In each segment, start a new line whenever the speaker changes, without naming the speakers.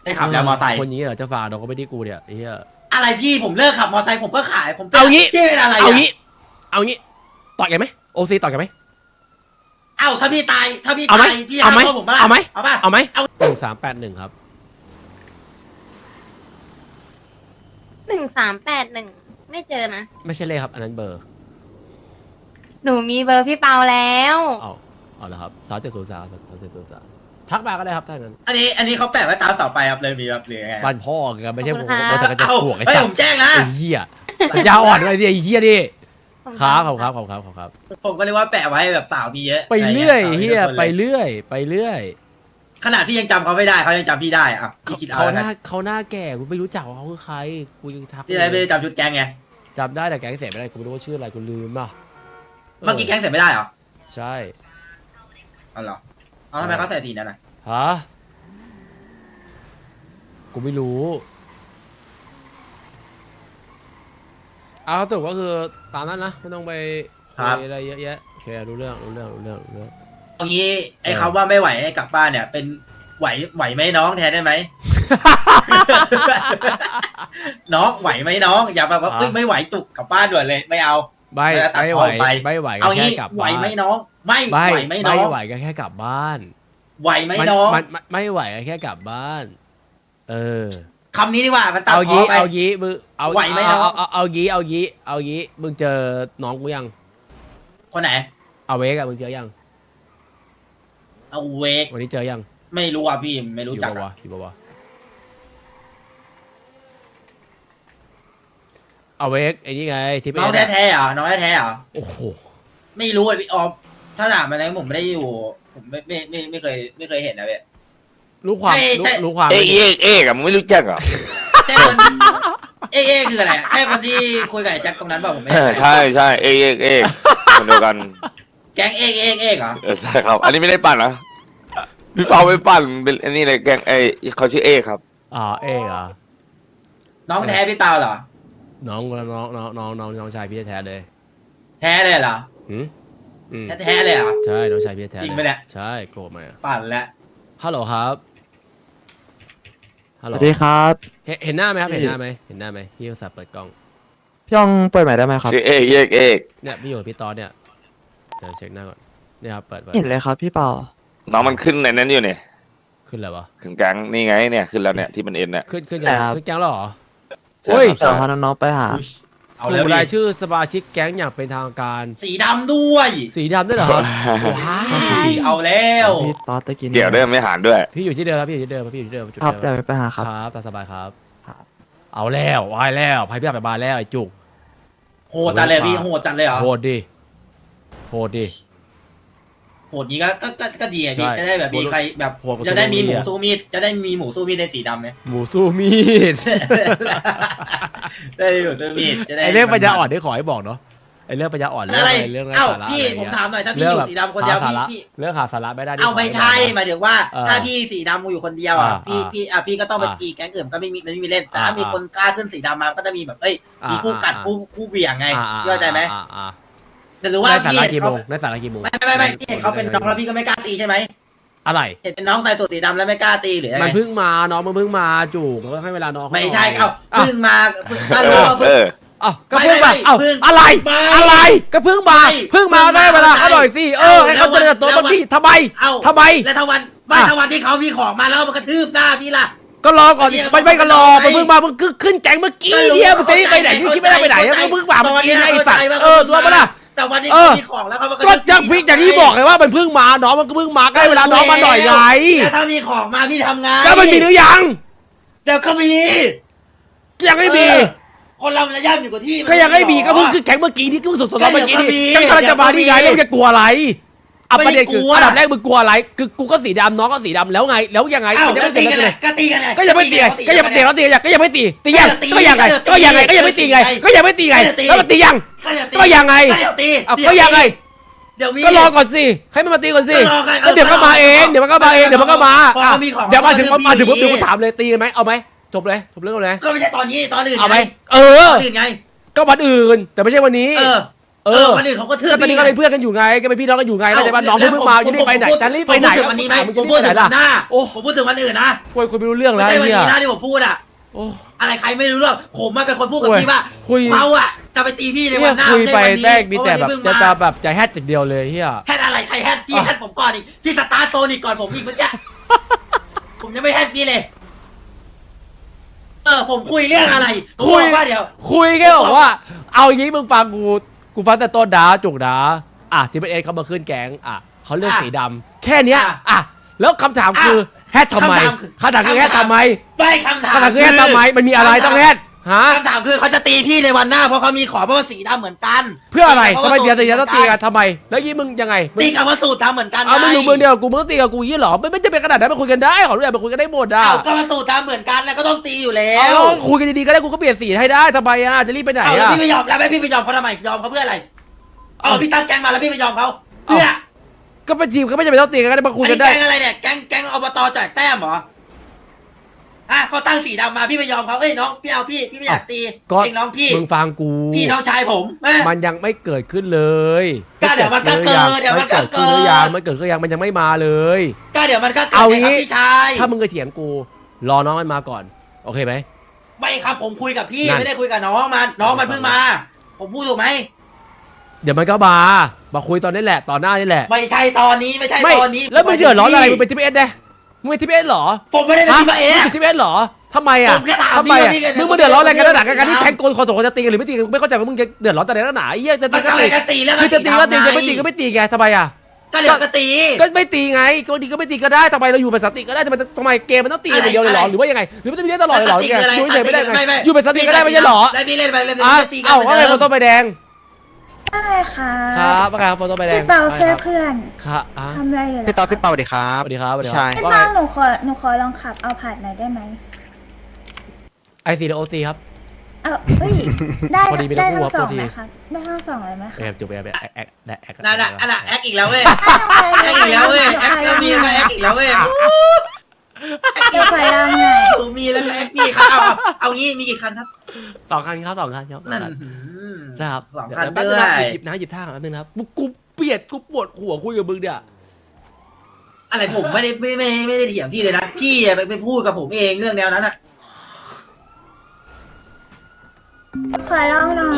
ได้ขับแล้วมอไซค์
คนนี้เหรอจะฝ่าเราก็ไม่ได้กูเนี่ยไอ้เหี้ย
อะไรพี่ผมเลิกขับมอไซค์ผมก็ขายผม
เอางี้
พี่เป็นอะไร
เอางี้ต่อยกันไหมโอซีต่อยกันไหม
เอ้าถ้าพี่ตายพี่
เอาไหม
ตายพี่
เอาไหม
ฆ่ผมปะล่ะ
เอาไหม
เอาป่ะ
เอาไหม
เอา
1381ครับ
1381ไม่เจอนะ
ไม่ใช่เลขครับอันนั้นเบอร์
หนูมีเบอร์พี่เปาแล้ว
เอาละครับ3703ทักมาก็ได้ครับถ้างั้น
อันนี้เขาแปะไว้ตามเสาไฟครับเลยมีแบบหรือยังไง
บ้านพ่อกันไม่ใช่ผม
ขอบคุณ
แต่
ค่ะ
ก็จะ
เอ้า
ห่วงไอ้
เฮ้ย
สัต
ผ
ว์
มแจ้งนะ
ไอ้เหี้ยปัญญาอ่อนอะไรเนี่ยไอ้เหี้ยดิครับขอบครับ
ผมก็เลยว่าแปะไว้แบบสาวมีเยอะ
ไปเรื่อย
ะร
เหี้
งี้
ย
สาว
ไป
มีทุกคนเลย
เรื่อย
ขนาดพี่ยังจำเขาไม่ได้เขายังจำพี่ได้อ่ะพี่คิดเอา
เขา
แล้ว
ห
กั
น้าน เขาหน้าแก่กูไม่รู้จักว่าเขาคือใครกูยังทัก
พี่อะไรไม่ได้จำชุดแก๊งไง
จำได้แต่แก๊งเสร็จไม่ได้กูไม่รู้ว่าชื่ออะไรกูลืมอ่ะ
เมื่อกี้แก๊งเสร็จไม่ได้เหรอ
ใช่
อ๋อเหรอเอาทำไมเขาใส่สีนั้นน่ะ
ฮะกูไม่รู้เอาสรุปก็คือตามนั้นนะไม่ต้องไปคุยอะไรเยอะแยะโอเครู้เรื่อง
เอางี้ไอ้คำว่าไม่ไหวให้กลับบ้านเนี่ย เป็นไหวไหมน้องแทนได้ไหม น้องไหวไหมน้องอย่าแบบว่าเอ้ยไม่ไหวจุกกลับบ้านด่วนเลยไม่เอา
ไม่ไหวก็
เอา
แค่
งี้
กลับ
ไหว
บ้าน
ไหมน้อง ไม่ไหวไหมน้อง
ไม่ไหวก็แค่กลับบ้าน
ไหวไหมน้อง
มันไม่ไหวก็แค่กลับบ้าน เออ
คำนี้ดีกว่ามันตัด
เอา
พอ
งี้
ไป
เอางี้มึงเอา
ไหวไหมน้อง
เอางี้มึงเจอน้องกูยัง
คนไหน
เอาเวกอะมึงเจอยัง
เอาเวก
วันนี้เจอยัง
ไม่รู้อ่ะพี่ไม่รู้จัก
อยู่ปะวะเอาเวกไอ้นี่ไงที่เป็น
น้องแท้ๆเหรอน้องแท้ๆเหรอ
โอ้โห
ไม่รู้อ่ะพี่ออมถ้าถามมาแล้วผมไม่ได้อยู่ผมไม่เคยเห็นนะเว้ย
รู้ความ
ใช่
รู้ความ
เอกอะมึงไม่รู้จักเหรอ
ใช่คนเอ๊ะคืออะไรอะใช่คนที่คุยกับไอ้แจ็คตรงนั้นเปล่าผมไม่
ใช่ใช่เอกคนเดียวกัน
แก๊งเอ๊ะเหรอ
ใช่ครับ อันนี้ไม่ได้ปั่นนะพี่เปาไปปั่นเป็นอันนี้เลยแกงเขาชื่อเอกครับ
เอกเหรอ
น้องแท้พี่เปาเหรอ
น้องชายพี่แท้เลย
แท้เลยเหรอ
อืม
แท้เลยเหรอ
ใช่น้องชายพี่แท้
จริงปะเนี่ย
ใช่โกรธไหม
ปั่นแล้ว
ฮัลโหลครับฮัล
ส
โหล
วัสดีครับ
เห็นหน้าไหมครับเห็นหน้าไหมพี่อุตส่าห์เปิดกล้อง
พี่ยองเปิดใหม่ได้ไหมครับ
ชื่อเอก
เนี่ยพี่อยู่กับพี่ตอนเนี่ยเดี๋ยวเช็คหน้าก่อนเนี่ยครับเปิด
เห็นเลยครับพี่เปา
น้องมันขึ้นในนั้นอยู่เนี่ย
ขึ้นแล้ววะ
ถึงแกงนี่ไงเนี่ยขึ้นแล้วเนี่ยที่มันเอ็นเนี่ย
ขึ้นยังขึ้นแก๊งแล้วเหรอ
ใช่
โอ้ย
ครับ
เดี๋ยวพาน้องๆไปหา
อุ๊ยเอา
สู่
แล้ว
ราย
ดิ
ชื่อสมาชิกแก๊งอย่างเป็นทางการ
สีดำด้วย
สีดำด้วยเหรอครับว้าย
เอาแล้ว
พี่ต๊อดตะกี้นี้
เกี่ยวด้วยไม่หารด้วย
พี่อยู่ที่เดิมครับพี่อยู่ที่เดิมจุด
ครับ
เดิ
เดี๋ยว
ม
ไปหาครับ
ครับตามสบายครับ
ครับ
เอาแล้ววายแล้วภัยพิบัติไปบานแล้วไอ้จุก
โหดจัดเลยพี่โหดจัดเลยเหรอ
โหดดิโหดดิ
โหดนี้ก็ดีอ่ะพี่
ใช่
จะได้แบบมีใครแบบ
โหดกว่า
จะได้มีหมู
ตัวนี้อะ
สู้มีดจะได้มีหมูสู้มีดในสีดำไหม
หมูสู้มีด
ได้มีหมูสู้มีดจะได้
ไอเรื่องปัญญาอ่อนที่ขอให้บอกเนาะไอเรื่องปัญญาอ่อนเรื่อง
อะไร
เรื่องไร้
เอ้า
สาระ
พี่
อะไร
ผม
เงี้ย
ถามหน่อยถ้าพี่อยู่สีดำคนเดียว
หาสาระ
พี่
เรื่องหาสาระไม่ได้ที่
เอาไม่ใช่
ขอให้บอก
หมายถึงว่า
เออ
ถ้าพี่สีดำอยู่คนเดียวอ่ะ
อ่า
พี่ก็ต้องไป
อ่า
ตีแก๊งอื่นก็ไม่มีเล่นแต่ถ้า
อ่ามี
มีคนกล้าขึ้นสีดำมาก็จะมีแบบเอ้ยมีคู่กัด
อ่า
คู่เบี่ยงไง
อ่
เข้าใจไหม
อ่า
แต่รู้ว่า
ได้สา
พี่
ระ
เห็น
กี่โม
เขา
งได้สาระกี่โมง
ไม่พี่เห็นเขาเป็นน้องแล้วพี่ก็ไม่กล้าตีใช่ไหม
อะไร
เห็นเป็นน้องใส่ตัวสีดำแล้วไม่กล้าตีหรืออะไร
มันเพิ่งมาน้องมันเพิ่งมาจูกก็ให้เวลาน้องเขา
ไม่ใช่
หน่อย
เพิ่งมาเพิ่ง
เอ
รู้
อ
ว่าเพิ่ง
เออ
อ้าวก็เพิ่งมา
ไม่
เอ้า
เพิ่ง
อะไร
ไม่
อะไรก็เพิ่งมา
ไม่
เพิ่งมา
เพิ่งมา
ได้เวลา
ไม่
เขาหน่อยสิให้เขาเจริญเติบโต
แล้ว
บ้างดิทำไม
เอ้า
ทำไม
แล้วถ้าวันถ้าวันที่เขามีของมาแล้วมันกระทืบหน้าพี่ล่ะ
ก็รอก่อนดิ
เดี๋ยว
ไม่ก็รอ
ไม่
มันเพิ่งมามึงขึ้นแก๊งเมื่อกี้เนี่ยมึงจะไปไหนมึงคิดไม่ได้ไปไหนมึงเพิ่งมาเมื่อกี้ไงไอ้สัตว์ตัวมันล่ะ
แต่วันนี้เขามีของแล้วเขามากระ
ก็
ทืบ
ยังพี่อย่างที่บอกเลยว่ามันเพิ่งมาน้องมันก็เพิ่งมาใกล้เวลาน้องมาหน่อยไง
แต่ถ้ามีของมาพี่ทำไง
ก็มันมีหรือยัง
เดี๋ยวก็มี
ยังไม่มี
คนเราจะย่ำอยู่กับที่
ก็ยังไม่มีก็เพิ่งขึ้นแก๊งเมื่อกี้นี่ก็เพิ่งสดๆร้อนเมื่อกี้นี่ก็กำลังจะมาที่ไงแล้วมึงจะกลัวอะไรประเด็นคืออันดับแรกมึงกลัวอะไรคือกูก็สีดำน้องก็สีดำแล้วไงแล้วยังไง
อ้าว
มันจะ
ก็
ไม่
ตี
เกิด
กัน
อะไร
ไงก็ตีกันไง
ก็ยังไม่ตีไงก็ยังไม่ตีแล้วตีก็ยังไม่ตีตียังก็ยังไงก็ยังไงก็ยังไม่ตีไงก็ยังไม่ตีไงแล้วมันตียังก็ยังไง
ก็เดี๋ยวตี
ก็ยังไง
เดี๋ยวมี
ก็รอก่อนสิให้มันมาตีก่อนสิ
ก็รอไง
ก็เดี๋ยวก็มาเองเดี๋ยวมันก็มาเองเดี๋ยวมันก็มา
พอเขามีของ
เดี๋ยวมาถึง
เขาก็
มาถึง
มี
ปุ๊บเดี๋ยวกูถามเลยตีกันไหมเอาไหมจบเลยจบเรื่องเลย
ก็ไม่ใช่ตอนนี้ตอนอื่น
เอาไหม
ไง
เออ
ตอนอื่นไง
ก็วันอื่นแต่ไม่ใช่วันนี้
เออคนอื่นเขาก็เทื่อ
ก็ตอนนี้ก็เป็นเพื่อนกันอยู่ไงก็เป็นพี่น้องกันอยู่ไงเข้าใจป่ะน้องเพิ่งมาจะรีบไปไหนจะรีบไปไหน
ผมพูดถึงวันนี้ไหม
มึง
ผ
จะ
ม
รีบ
พูด
ไปไห
ถึ
น
ง
ล่ะ
วันหน้า
โอ้
ผมพูดถึงวันอื่นนะ
คุยไม่รู้เรื่อง
ไม่
แล้ว
ใช่วัน
เนี่ย
นี้นะที่ผมพูดอ่ะ
โอ้
อะไรใครไม่รู้เรื่องผมมาเป็นคนพูดกับ
โอ้ย
พี่ว่า
คุย
เขาอ่ะจะไปตีพี่ใน
เนี่
วั
ย
นหน้า
คุยไป
ไม่ใช่วันนี้
แม่งมีแต่แบบ
เพราะวันนี้
จะ
เพิ่งมา
แบบจะแฮตอย่างเดียวเลยเฮีย
แฮตอะไรใครแฮตพี่แฮตผมก่อนอีกพี่สตาร์ทโซนอีกก่อนผมอีกเมื่อกี้ ผมยังไม่แฮตพี่เลยผมคุยเรื่องอะไรผมบอกว่าเดี๋ยว
คุยแค่บอกว่า เอาอย่างงี้มึงฟังกูฟังแต่ต้นดาจุกดาที่เป็นเอเขามาขึ้นแก๊งเขาเลือกสีดำแค่เนี้ยแล้วคำถามคือแฮตทำไมคำถามคือแฮตทำไม
ไม่คำถาม
คำถามคือแฮตทำไมมันมีอะไรต้องแฮตฮะ
คำถามคือเขาจะตีพี่ในวันหน้าเพราะเขามีขอเพราะว่าสีดำเหมือนกัน
เพื่ออะไรทำไมเสียต้องตีกันทำไม แล้วยี่มึงยังไง
ตีกับว่าสูตรดำเหมือนกัน
มึงอยู่เมืองเดียวกูมึงต้องตีกับกูยี่หรอไม่จะเป็นขนาดนั้นมาคุยกันได้ขอรู้อย่างมาคุยกันได้หมด
ก็ว่าสูตรดำเหมือนกันแล้วก็ต้องตีอยู่แล้
เอา
ว
คุยกันดีๆก็ได้กูก็เปลี่ยนสีให้ได้ทำไมจะรีบไปไหน
แล้วพี่ไม่ยอมแล้วพี่ไม่ยอมเขาทำไมยอมเขาเพื่ออะไรพี่ตั้งแก๊งมาแล้วพี่ไม่ยอมเขาเพื่อ
ก็เป็นทีมก็ไม่จำเป็นต้องตีกันก็ได้มาคุยกันได้
แก๊งอะไรเนี่ยแก๊งอบตจ่ายแต้มเหรอเขาตั้งสีดำมาพี่ไม่ยอมเขาน้องพี่เอาพี่ไม่อยากตีเองน้องพี่
มึงฟังกู
พี่น้องชายผม
มันยังไม่เกิดขึ้นเลย
ก็เดี๋ยวมันก็เกิดเดี๋ยวมันก็เกิด
มันเกิดขึ้นยังมันยังไม่มาเลย
ก็เดี๋ยวมันก็เกิด
เอา
ครั
งี้
บพี่ชาย
ถ้ามึงเคยเถียงกูรอน้องมันมาก่อนโอเคไหม
ไม่ครับผมคุยกับพี่
นั่น
ไม่ได้คุยกับน้องมันเพิ่งมา ผมพูดถูกไหม
เดี๋ยวมันก็มาคุยตอนนี้แหละตอนหน้านี่แหละ
ไม่ใช่ตอนนี้ไม่ใช่
ไม่
ตอนนี้
แล้วมึงเดือดร้อนอะไรมึงเป็นทีมเอสได้มึงเป็นทีมเอสเหรอ
ผมไม่ได้เป็นทีมเอ
มึง
ส
เป็นทีมเอสเหรอทำไมอ่ะ
ผมแค่ถาม
ทำไมอ่ะ
พี่ว่าพี่
มึงมาเดือดร้อนอะไรกัน
พี่
นักหนา
พี่
การที่แทงคนสองคนจะตีกันหรือไม่ตีกันไม่เข้าใจว่ามึงจะเดือดร้อนแต่ไหนนักหนาไอ้เหี้ยจะตีก็
มันก็
ตี
เลยก็ตีแล้ว
คือจะตีก็ตีจะไม่ตีก็ไม่ตีไงทำไมอ่ะ
ก็เดี๋ยวก็ตี
ก็ไม่ตีไงก็ดีก็ไม่ตีก็ได้ทำไมเราอยู่เป็นสติก็ได้ทำไมเกมมันต้องตีกันอย่างเดียวเลยเหรอหรือว่ายังไงหรือมันจะมีเล่นตลอดเลยเหรอเนี่ยอยู่เฉยไม่ได้ไงอยู่เป็นสติก็ได้ไม่ใช่เหรอ
ได้พี่เล่นไปเล่น ตีกัน
เอ้าว่าไงโฟโต้ใบแดง
อะไรคะ
ครับว่าไงครับโฟโต้ใบแดง
พี่เปาแค่เพื่อน
ครับ
ทำอะไรอยู่
พี่
ล่ะ
ต่อพี่เปาสวัสดีครั
ส
บ
วัสดีครับสวัสดีค
ใช่
รับ
พี่
ว่า
เปา
ไง
หนูขอลองขับเอาผ่านหน่อยได้ไหม
ไอซีโอซีครับ
เฮ้ยได้
พอดีไม่ต้
ได้
องพู
ทั้
ด
ง
ครับ
สองไหมคะได้ทั้งสองเลยไหมคะ
แอบจบแอบได้แอก
นั่นน่ะอันน่ะแอคอีกแล้วเว้ยแอคอีกแล้วเว้ยแอคก็มีก็แอคอีกแล้วเว้ย
เดี๋ยวขอลองหน่อย
มีแล้วก็แอคพี่ครับเอางี้มีกี่คันครับ
สองคันครับ
นั่น
ใช่ครับ
สอง
เดี๋ยว
คัน
แป๊บ
ด้
นึ
ว
งนะ
ย
หยิบท่าก่อนแป๊บนึงนะครับกูเปลียดกูปวดหัวคุยกับมึงเนี่ย
อะไรผมไม่ได้เถียงพี่เลยนะพี่ไปพูดกับผมเองเรื่องแนวนั้นอ่ะ
ขอลองหน่อย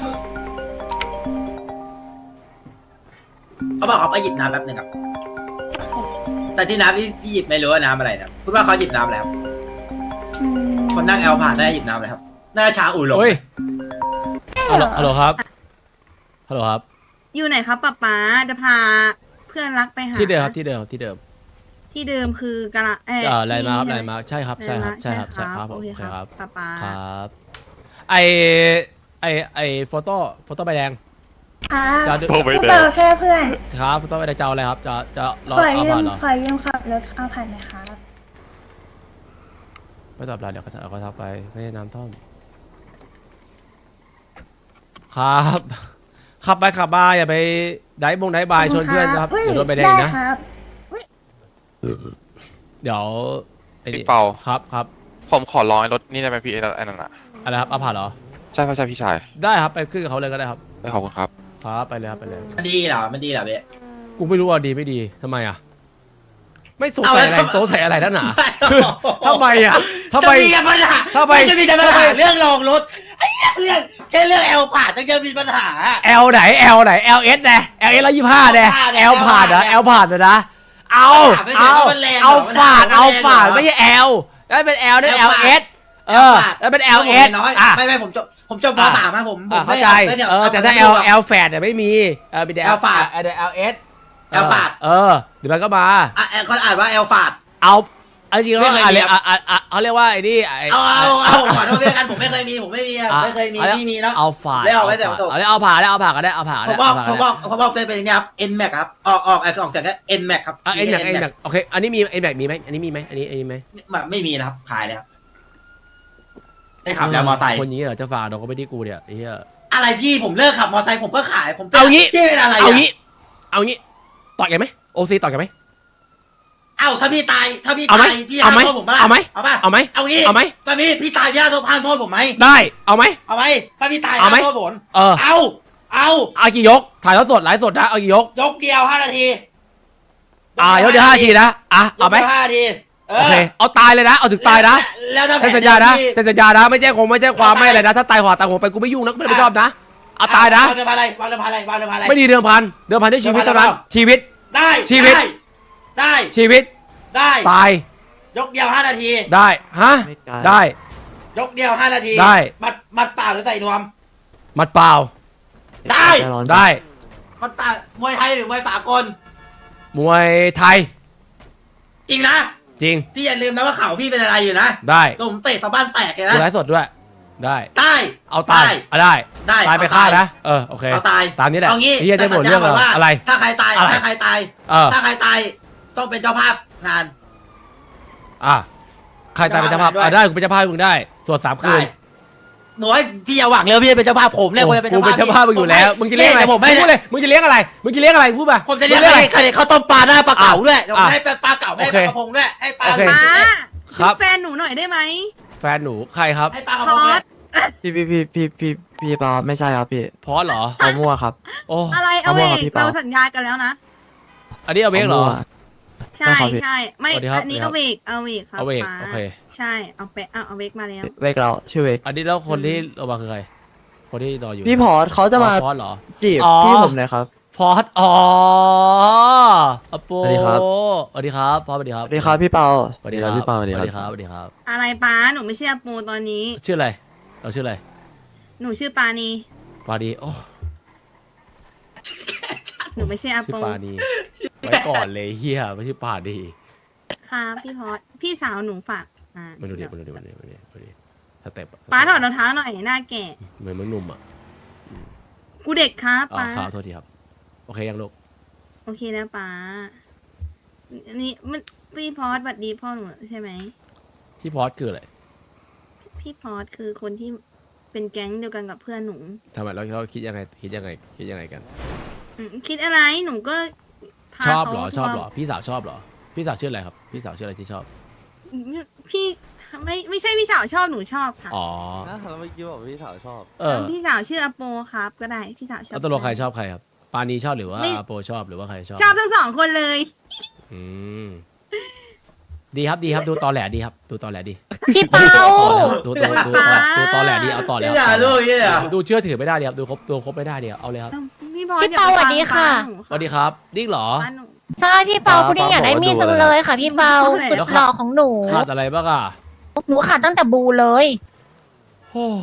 เขาบอกเขาไปหยิบน้ำแป๊บนึงครับแต่ที่น้ำที่หยิบไม่รู้ว่าน้ำอะไรนะคุณว่าเขาหยิบน้ำอะไรครับ
อืม
คนนั่งแอลผ่านได้หยิบน้ำอะไรครับน่าชาอุ่นหลง
เฮ้ยฮัลโหลครับฮัลโหลครับ
อยู่ไหนครับป๊าป๊าจะพาเพื่อนรักไปหา
ที่เดิมครับที่เดิม
ที่เดิมคือกะละ
อะไรมาครับ
ที่
อะไร
นี่
มาใช่ครับใช่ครับใช่ครับผม
โอเค
ใช่ครับ
ป๊าป๊า
ครับไอโฟโต้ใบแดง
ค่ะ
จะ
พี่เปาแค่เพื่อน
ครับโฟโต้ใบแดงจะเอาอะไรครับจะรอ
ขอ
เอา
ยื
ผ่าม นเหรอ
ขอยืมขับรถเอาผ่านหน่อยครับ
ไม่ตอบรับเดี๋ยวเขาทักไปไม่ได้น้ำท่อมครับขับไปขับมาอย่าไปได้บายชวนเพื่อนนะครับ
ฮ้
เดี๋ยวโดนใบแดง
ได้
นะ
ครับ
เดี๋ยวไอ้นี่
พี่เปา
ครับ
ผมขอร้องไอ้รถนี่ได้ไหมพี่ไอ้นั่นน่ะ
อะไรครับเอาผ่านเหรอ
ใช่พี่ชาย
ได้ครับไปขึ้นกับเขาเลยก็ได้ครับ
ได้ขอบคุณครับ
ครับไปเลยครับไปเลย
มันดีเหรอมันดีเหรอเบ๊ะ
กูไม่รู้ว่าดีไม่ดีทำไมอ่ะไม่สงสัยอะไรสงสัยอะไรนักหนาทำไมอ่ะทำไม
จะมีปัญหา
ทำไม
จะมีแต่ปัญหาเรื่องลองรถไอ้เหี้ยเรื่องแค่เรื่องแอลผ่านต้องจะมีปัญหา
L ไหน L ไหน LS นะ LS 125นะ L ผ่านนะ L ผ่านนะเอาฝาดไม่ใช่ L นั่นเป็น L นั่น LS แล้วเป็น LS
น้อย
อ่ะ
ไม่ผมจบมสามนะผม
เข้าใจแต่ถ้า L แฟดเนี่ยไม่มีมีแต่
L ฝาด
LS
L ฝาด
เดี๋ยวมันก็มา
เขาอ่านว่าแอลฝาด
เอาจริงๆ
ไม่
เขา
เคยมี
เขาเรียกว่าไอ้นี่
เอาขอโทษด้วยกันผมไม่เคยมีไม่เคยมีพี่มีเนาะ
เอาฝาด
ได้เอาไว้แต่ผมตก
เอาผ่าก็ได้เอาผ่า
ผมบอกเป็นอย่างนี้ครับ N Max ครับออกเสียงแค่ N Max ครับ
เอ็นแม็กโอเคอันนี้มีเอ็นแม็กมีไหมอันนี้มีไหมอันนี้ไหม
ไม่มีนะครับขายเลยครับได้ขับแล้วมอไซค์
คนนี้เหรอจะฝากเราก็ไม่ได้กูเนี่ยไอ้เหี้ย
อะไรพี่ผมเลิกขับมอไซค์ผมก็ขายผม
เอางี้
พี่เป็นอะไร
เอางี้ต่อยกันไหมโอซีต่อยกันไหม
ถ้าพี่ตายพี่
เอาไหม
พี่ห้ามโทษผมป่ะ
เอาไหม
เอาป่ะ
เอาไหม
เอางี้
เอาไหม
ตอนนี้พี่ตายพี่ห้ามโทษผมไหม
ได้เอาไหม
เอาไหมถ้าพี่ตาย
เอาไหม
ห้ามโทษผม
เอาเอากี่ยกถ่ายทอดสดไลฟ์สดนะเอากี่ยก
ยกเดียว5 นาที
ยกเดียว5 นาทีนะเอาไหม
ยกดียว5 นาที
โอเคเอาตายเลยนะเอาถึงตายนะ
แล้วถ้า
เซ็นสัญญานะเซ็นสัญญานะไม่แจ้งความไม่อะไรนะถ้าตายหัวตายหัวไปกูไม่ยุ่งนะไม่ชอบนะเอาตายนะ
วางเดิมพันอะไรวางเดิมพันอะไร
ไม่ดีเดิมพันด้วยชีวิตเท่านั้นชีวิต
ได้
ชีวิต
ได้
ชีวิต
ได้
ตาย
ยกเดียว5 นาที
ได้ฮะ
ไม่ไกล
ได้
ยกเดียว5 นาที
ได้
มัดเปล่าหรือใส่นวม
มัดเปล่า
ได้
ใจร้อน
ได้
มัดเปล่ามวยไทยหรือมวยสากล
มวยไทย
จริงนะ
จริง
พี่อย่าลืมนะว่าเข่าพี่เป็นอะไรอยู่นะ
ได้
ผมเตะตะบ้านแตกเลย
ดู
นะ
ไลฟ์สดด้วยได้
ได้
เอาตายได้
ได้
ตายไป
เอา
ฆ่า
ตาย
นะโอเค
เอาตาย
ตามนี้แหละ
เอางี้
เฮียจะหมดเรื่อง
แต่สัญญาก่อนว่า
อะไร
ถ้าใครตาย
อะไร
ถ้าใครตาย ถ้าใครตายต้องเป็นเจ้าภาพงาน
ใครตายเป็นเจ้าภาพ
ด้วย
ได้กูเป็นเจ้าภาพมึงได้สวด3 คืน
หนูให้พี่อย่าหวังเลยพี่จะเป็นเจ้าภาพผมเนี่ย
โอ้
คนจะเป็น
กูเป็นเจ้าภาพมึงอยู่แล้วมึงจะเลี้ยงอะไร
ผมไม่
พูดเลยมึงจะเลี้ยงอะไรพูดมา
ผมจะเลี้ยง
มึ
อะไรใครข้าวต้มปลาหน้าปลาเก๋าด้วยเดี๋ยวผม
อ่ะ
ให้ปลาเก๋าให้
โอ
ป
เค
ลากระพงด้วยให้ปลา
โอเค
ป้า
ครับ
แฟนหนูหน่อยได้ไหม
แฟนหนูใครครับ
ให้ปลากระ
พ
พง
อ
ด้วย
ด
พี่เปาไม่ใช่ครับพี่
พอสเหรอ
เขามั่วครับ
โอ้
อะไรเอาเว
เอา
ก
มั่วครับพี่เปา
เราสัญญากันแล้วนะ
อันนี้เอาเวกเหรอ
ใช่
ได้ครับพี่
ใช่ไม่
สวัสดีครับ
อันนี้
สวั
เอา
ส
เว
ดี
กเอาเวกครับ
เอาเวก
ป้า
โอเค
ใช่เอาเวกมาแล้ว
เวกเราชื่อเวก
อันนี้แล้วคนที่เอามาคือใครคนที่นอนอยู่
พี่พอร์ตเขาจะมา
พอสเหรอ
จีบ
อ๋อ
พี่ผมเลยครับ
พอสอโป
สวัสดีครับ
สวัสดีครับพอสสวัสดีครับ
สวัสดีครับพี่เปา
สวัสดีครับ
พี่เปา
สวัสดีครับสวัสดีครับ
อะไรป้าหนูไม่ใช่อาปูตอนนี้
ชื่ออะไรเราชื่ออะไร
หนูชื่อปานี
ปาดีโอ้
หนูไม่ใช่อา
ชื่อ
ปู
ปาดีไว้ก่อนเลยเฮียไม่ใช่ปาดี
ครับพี่พอดพี่สาวหนูฝากอ่า
มาดูดิสเต็ป
ป้าถอดรองเท้าหน่อยหน้าแก่
เหมือนมึงหนุ่มอ่ะ
กูเด็กครับ
อ๋อ
ป้า
ครับโทษทีครับโอเคยังลูก
โอเคนะป้าอันนี้มันพี่พอดบัดดีพ่อหนูใช่ไหม
พี่พอสคืออะไร
พี่พอดคือคนที่เป็นแก๊งเดียวกันกับเพื่อนหนู
ทำไมเราคิดยังไงกัน
คิดอะไรหนูก็พา
ชอบ
ขา
เหรอ
ทัวร์
ชอบเหรอพี่สาวชอบเหรอพี่สาวชื่ออะไรครับพี่สาวชื่ออะไรที่ชอบ
พี่ไม่ใช่พี่สาวชอบหนูชอบค่ะ
อ๋อ
เมื่อกี้บอกพี่สาวชอบ
พี่สาวชื่ออโปครับก็ได้พี่สาวชอบ
แล้วตกลงใครชอบใครครับปานีชอบหรือว่า
ไม่
อาโปชอบหรือว่าใครชอบ
ชอบทั้งสองคนเลย
อืมดีครับดูตอแหลดีครับดูตอแหลดี
พี่เปา
ดูตอแหลดีเอาต่อแล้ว
พี่อย่าลูกพี่อย่า
ดูเชื่อถือไม่ได้ดีครับดูครบไม่ได้ดีครับเอาเลยครับ
พี่พอ
พี่เปาสวัสดีค่ะ
สวัสดีครับดิ้งเหรอ
ใช่พี่เปาคุณนี่อยากได้มีดจังเลยค่ะ พี่เปาสุดหล่อของหนู
ขาดอะไรบ้างอ่ะ
หนูขาดตั้งแต่บูเลย
โอ้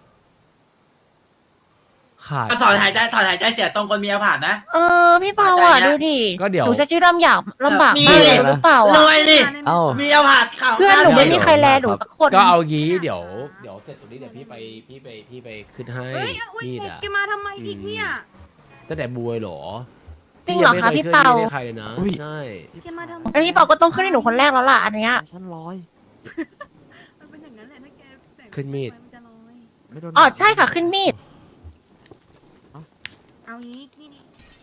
ขาด
ถอนหายใจเสียตรงคนมีอาผ่านนะ
พี่เปาอ่ะดูดิ
ก็เดี๋ยว
หนูจะชื่อลำบากมาก
นี่
เลยหรือเปล่าร
วยดิ
เอ้า
มีอาผ่านข่าว
เพื่อนหนูไม่มีใครแลหนูสักคน
ก็เอางี้เดี๋ยวเสร็จตรงนี้เดี๋ยวพี่ไปขึ้นให้
เฮ้ยอุ้ย
พี่
แก
น่ะ
มาทำไมอีกเนี่ย
ตั้งแต่บวยเหรอ
จริงเหรอคะพี่เปา
ไม่ใครเลยนะ
อุ้ย
ใช่
แกมาทำไม
แล้วพี่เปาก็ต้องขึ้นให้หนูคนแรกแล้วล่ะอันเนี้ย
ชั้นร้อย
มันเป็นอย่างนั้นแหละถ้าแกแต่ง
ขึ้นมีด
นจะลอย
ไม่โดน
อ๋อใช่ค่ะขึ้นมีด
เอางี้นี่